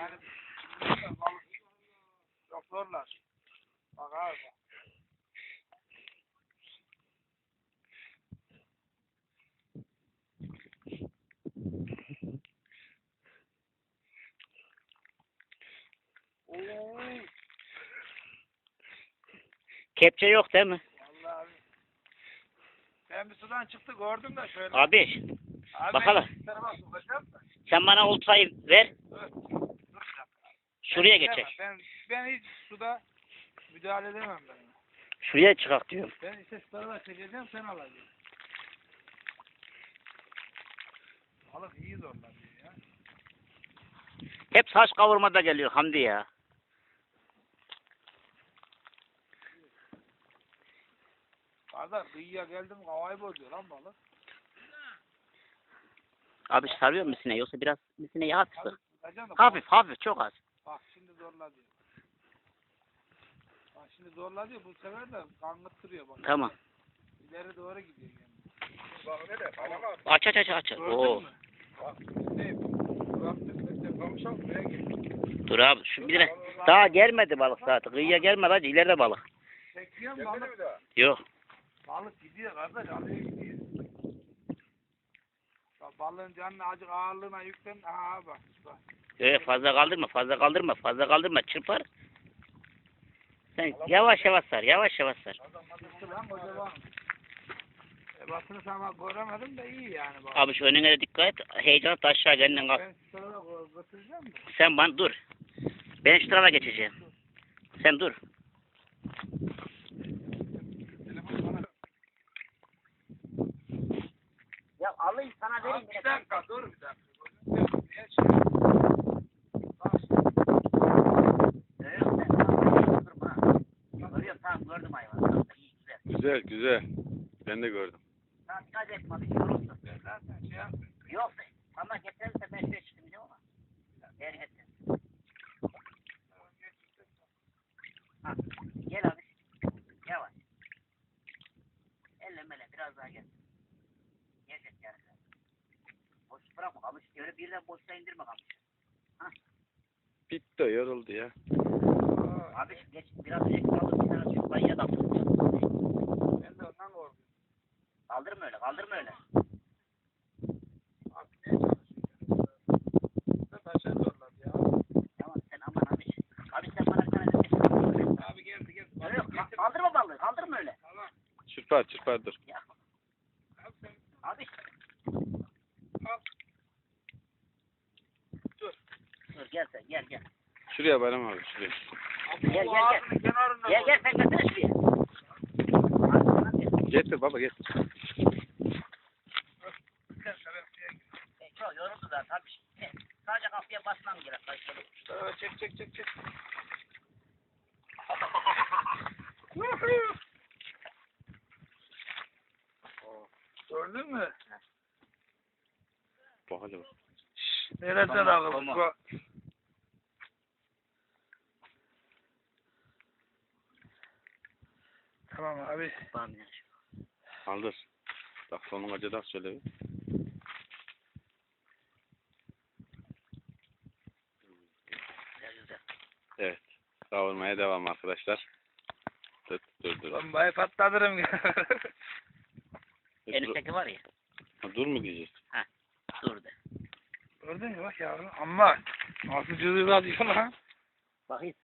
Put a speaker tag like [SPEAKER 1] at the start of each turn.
[SPEAKER 1] yani doktorlar. Bak abi. Oo.
[SPEAKER 2] Kepçe yok değil mi?
[SPEAKER 1] Vallahi abi. Ben bir sudan çıktı gördüm de şöyle.
[SPEAKER 2] Abi
[SPEAKER 1] Abi
[SPEAKER 2] bakalım.
[SPEAKER 1] ben bir tarafa sokacağım da.
[SPEAKER 2] Sen bana oltayı ver.
[SPEAKER 1] Dur.
[SPEAKER 2] Şuraya
[SPEAKER 1] Ben
[SPEAKER 2] geçecek.
[SPEAKER 1] istemem. Ben hiç suda müdahale edemem ben.
[SPEAKER 2] Şuraya çıkak diyorum.
[SPEAKER 1] Ben işte şu tarafa çekeceğim sen alacaksın. Balık iyi zorlanıyor ya.
[SPEAKER 2] Hep saç kavurmada geliyor Hamdi ya.
[SPEAKER 1] Kardeş kıyıya geldim havayı bozuyor lan balık.
[SPEAKER 2] Abi sarıyor misine yoksa biraz misine yağ sık.
[SPEAKER 1] Tutacaksın da
[SPEAKER 2] Hafif hafif çok az.
[SPEAKER 1] bak şimdi zorla diyor. Bak şimdi zorla diyor bu sefer de kangıttırıyor bak.
[SPEAKER 2] Tamam.
[SPEAKER 1] İleri doğru gidiyor yani. Bak ne de bak.
[SPEAKER 2] Aç aç aç aç.
[SPEAKER 1] Gördün
[SPEAKER 2] Oo.
[SPEAKER 1] mü? Bak ne? Bıraktık kamışak buraya geldi.
[SPEAKER 2] Dur abi şu bir de daha gelmedi balık zaten. Kıyıya gelmedi hacı ileride balık.
[SPEAKER 1] Çekiyor mu balık?
[SPEAKER 2] Yok.
[SPEAKER 1] Balık gidiyor kardeş alıyor gidiyor. Bak balığın canına acık ağırlığına yüklen. Aha bak. Bak.
[SPEAKER 2] Yok fazla kaldırma fazla kaldırma fazla kaldırma çırpar. Sen yavaş yavaş sar yavaş yavaş sar.
[SPEAKER 1] Çıktı lan kocaman. Basını sana göremedim de iyi yani bak.
[SPEAKER 2] Abi şu önüne de dikkat et. Heyecanla da aşağı kendin kalk.
[SPEAKER 1] Ben şu tarafa götüreceğim mi?
[SPEAKER 2] Sen bana dur. Ben şu tarafa geçeceğim. Sen dur. Ya alayım sana vereyim.
[SPEAKER 1] Bir dakika dur bir dakika.
[SPEAKER 2] Tamam gördüm hayvanı.
[SPEAKER 3] Güzel güzel. Ben de gördüm.
[SPEAKER 2] Tamam dikkat etme bir şey olursa.
[SPEAKER 1] Zaten şey yapmıyor.
[SPEAKER 2] Yok ama getirirse ben şuraya çıkmayacağım ama. Eğer getir. Ha, gel abi. Yavaş. Elle biraz daha gel. Gelecek yani. Boş bırakma kamış. Öyle birden boşta indirme kamış. Ha.
[SPEAKER 3] Bitti yoruldu ya.
[SPEAKER 2] Abi geç biraz önce kaldır bir tane Türk bayıya da.
[SPEAKER 1] Ben de ondan korkuyorum.
[SPEAKER 2] Kaldırma öyle kaldırma öyle.
[SPEAKER 1] Abi ne çalışıyor? Taşa zorladı ya.
[SPEAKER 2] Tamam sen aman abi. Abi sen bana bir tane de
[SPEAKER 1] Abi geldi.
[SPEAKER 2] Yok kaldırma balığı kaldırma öyle.
[SPEAKER 1] Tamam.
[SPEAKER 3] Çırpar dur.
[SPEAKER 2] Ya.
[SPEAKER 1] Al sen.
[SPEAKER 2] Abi.
[SPEAKER 1] Al. Dur.
[SPEAKER 2] Dur gel sen gel.
[SPEAKER 3] Şuraya Bayram abi şuraya.
[SPEAKER 2] Gel.
[SPEAKER 1] Ağzının kenarında.
[SPEAKER 2] Gel sen götür şuraya.
[SPEAKER 3] Getir baba getir.
[SPEAKER 2] Çok yoruldu da tabii. Sadece kapıya basmam gerek.
[SPEAKER 1] Çek. Gördün mü?
[SPEAKER 3] Bak hadi bak.
[SPEAKER 1] Nereden almış? Bak. Tamam abi.
[SPEAKER 3] Kaldır. Bak sonun acıdan söyle bir. Evet. Kavurmaya devam arkadaşlar. Dur.
[SPEAKER 1] Bombayı patlatırım.
[SPEAKER 2] En üstteki var ya.
[SPEAKER 3] Dur mu diyeceğiz?
[SPEAKER 2] Dur de.
[SPEAKER 1] Gördün mü bak yavrum. Ama nasıl cızırlatıyor lan.
[SPEAKER 2] Bakayım.